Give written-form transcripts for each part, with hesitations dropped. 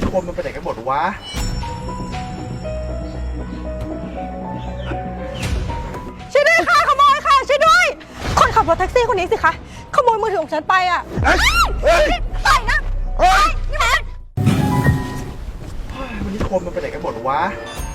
คนมันไปไหนกันหมดวะช่วยด้วยค่ะขโมยค่ะช่วยด้วยคนขับรถแท็กซี่คนนี้สิคะขโมยมือถือของฉันไปอ่ะไปนะไปนี่แหละวันนี้คนมันไปไหนกันหมดวะ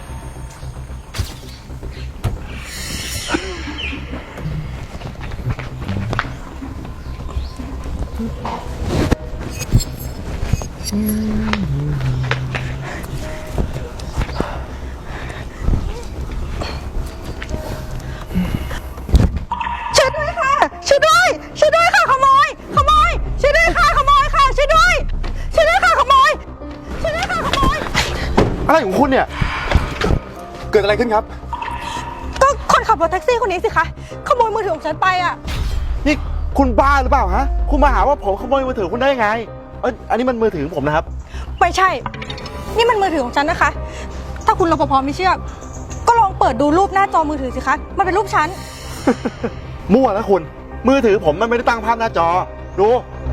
ช่วยด้วยค่ะช่วยด้วยช่วยด้วยค่ะขโมยขโมยช่วยด้วยค่ะขโมยค่ะช่วยด้วยช่วยด้วยค่ะขโมยช่วยด้วยค่ะขโมยอะไรของคุณเนี่ยเกิดอะไรขึ้นครับก็คนขับรถแท็กซี่คนนี้สิคะขโมยมือถือของฉันไปอ่ะนี่คุณบ้าหรือเปล่าฮะคุณมาหาว่าผมขโมยมือถือคุณได้ยังไงอันนี้มันมือถือของผมนะครับไม่ใช่นี่มันมือถือของฉันนะคะถ้าคุณรปภไม่เชื่อก็ลองเปิดดูรูปหน้าจอมือถือสิคะมันเป็นรูปฉันมั่วนะคุณมือถือผมมันไม่ได้ตั้งภาพหน้าจอดู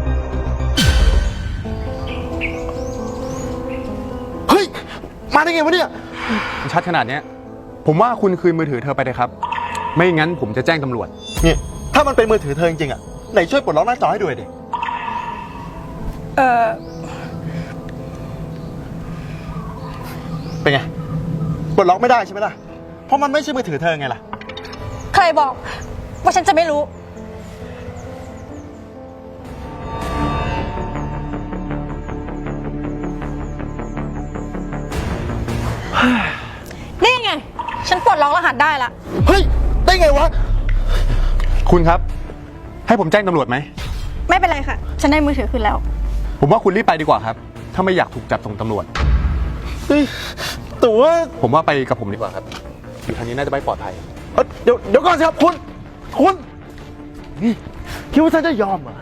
เฮ้ยมาได้ไงวะเนี่ยชัดขนาดนี้ผมว่าคุณคืนมือถือเธอไปเลยครับไม่งั้นผมจะแจ้งตำรวจนี่ถ้ามันเป็นมือถือเธอจริงๆอ่ะไหนช่วยปลดล็อกหน้าจอให้ดูดิเป็นไงปลดล็อกไม่ได้ใช่ไหมล่ะเพราะมันไม่ใช่มือถือเธอไงล่ะใครบอกว่าฉันจะไม่รู้นี่ไงฉันปลดล็อกรหัสได้ละเฮ้ยได้ไงวะคุณครับให้ผมแจ้งตำรวจไหมไม่เป็นไรค่ะฉันได้มือถือคืนแล้วผมว่าคุณรีบไปดีกว่าครับถ้าไม่อยากถูกจับส่งตำรวจเฮ้ยแต่ว่าผมว่าไปกับผมดีกว่าครับอยู่ทางนี้น่าจะไม่ปลอดภัยเดี๋ยวก่อนสิครับคุณนี่คิดว่าฉันจะยอมเหรอ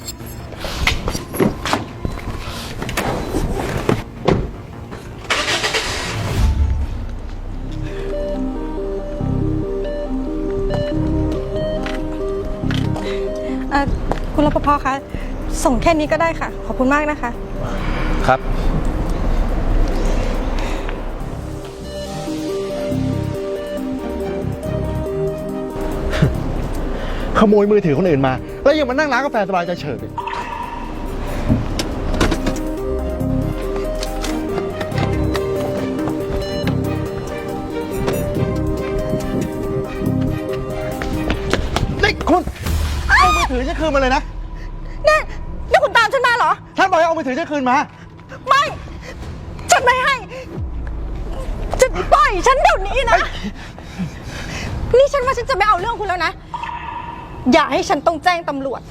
คุณรปภคะส่งแค่นี้ก็ได้ค่ะขอบคุณมากนะคะครับขโมยมือถือคนอื่นมาแล้วยังมานั่งร้านกาแฟสบายใจเฉิบนี่คุณเอามือถือฉันคืนมาเลยนะนี่คุณตามฉันมาเหรอท่านบอกให้เอามือถือฉันคืนมาไม่ฉันไม่ให้จะปล่อยฉันเดี๋ยวนี้นะนี่ฉันว่าฉันจะไม่เอาเรื่องคุณแล้วนะอย่าให้ฉันต้องแจ้งตำรวจ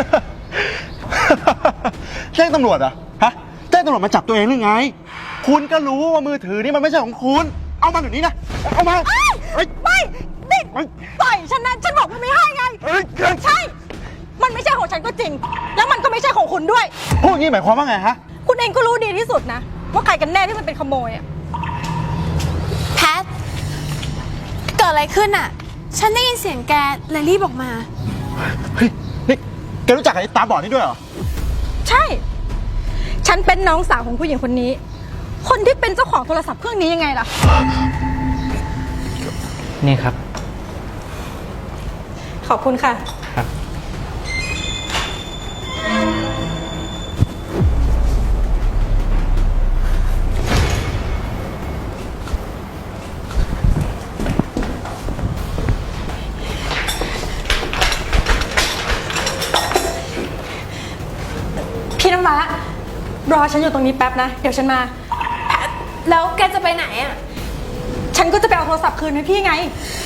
แจ้งตำรวจเหรอฮะแจ้งตำรวจมาจับตัวเองหรือไงคุณก็รู้ว่ามือถือนี่มันไม่ใช่ของคุณเอามาเดี๋ยวนี้นะเอามาไม่นี่ปล่อยฉันนะฉันบอกว่าไม่ให้ไงใช่มันไม่ใช่ของฉันก็จริงแล้วมันก็ไม่ใช่ของคุณด้วยพูดงี้หมายความว่าไงฮะคุณเองก็รู้ดีที่สุดนะว่าใครกันแน่ที่มันเป็นขโมยอะแพทเกิดอะไรขึ้นอ่ะฉันได้ยินเสียงแกเลยรีบออกมาเฮ้ยนี่แกรู้จักไอ้ตาบอดนี่ด้วยเหรอใช่ฉันเป็นน้องสาวของผู้หญิงคนนี้คนที่เป็นเจ้าของโทรศัพท์เครื่องนี้ยังไงล่ะนี่ครับขอบคุณค่ะครับพี่น้ำว้ารอฉันอยู่ตรงนี้แป๊บนะเดี๋ยวฉันมาแล้วแกจะไปไหนอ่ะฉันก็จะไปเอาโทรศัพท์คืนให้พี่ไง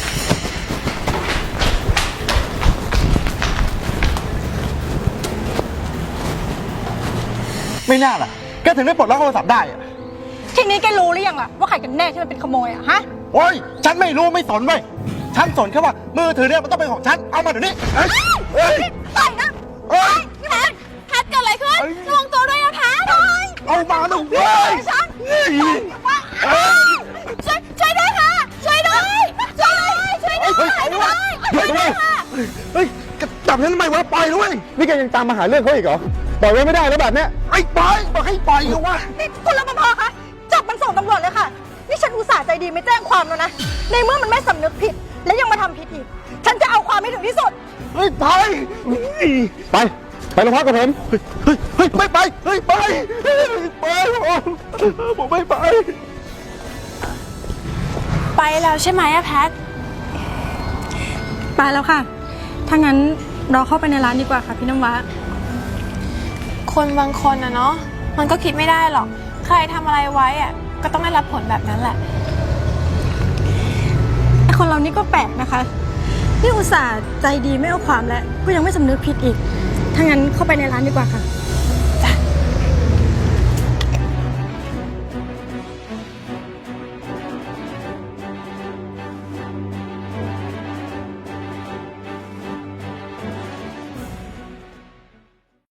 ไม่น่าล่ะแกถึงได้ปลดล็อกโทรศัพท์ได้อะทีนี้แกรู้หรือยังล่ะว่าใครกันแน่ที่มันเป็นขโมยอะฮะโอ้ยฉันไม่รู้ไม่สนเว้ยฉันสนแค่ว่ามือถือเนี่ยมันต้องเป็นของฉันเอามาเดี๋ยวนี้ไปนะพี่แมนแพทเกิดอะไรขึ้นระวังตัวด้วยนะแพทเอามาหนูเว้ยช่วยด้วยค่ะช่วยด้วยเฮ้ยจับฉันทำไมวะปล่อยด้วยนี่แกยังตามมาหาเรื่องเขาอีกเหรอปล่อยไว้ไม่ได้แล้วแบบเนี้ยไอ้ปล่อยบอกให้ปล่อยเขาวะนี่คุณรปภคะดีไม่แจ้งความแล้วนะ ในเมื่อมันไม่สำนึกผิด และยังมาทำผิดอีก ฉันจะเอาความให้ถึงที่สุดเฮ้ยไปไปโรงพักกับผมเฮ้ยไม่ไป เฮ้ยไปผมไม่ไปไปแล้วใช่ไหมอะแพทไปแล้วค่ะ ถ้างั้นเราเข้าไปในร้านดีกว่าค่ะพี่น้ำว้าคนบางคนอะเนาะมันก็คิดไม่ได้หรอก ใครทำอะไรไว้อะก็ต้องได้รับผลแบบนั้นแหละไอคนเรานี่ก็แปลกนะคะนี่อุตส่าห์ใจดีไม่เอาความแล้วก็ยังไม่สำนึกผิดอีก ถ้างั้นเข้าไปในร้านดีกว่าค่ะ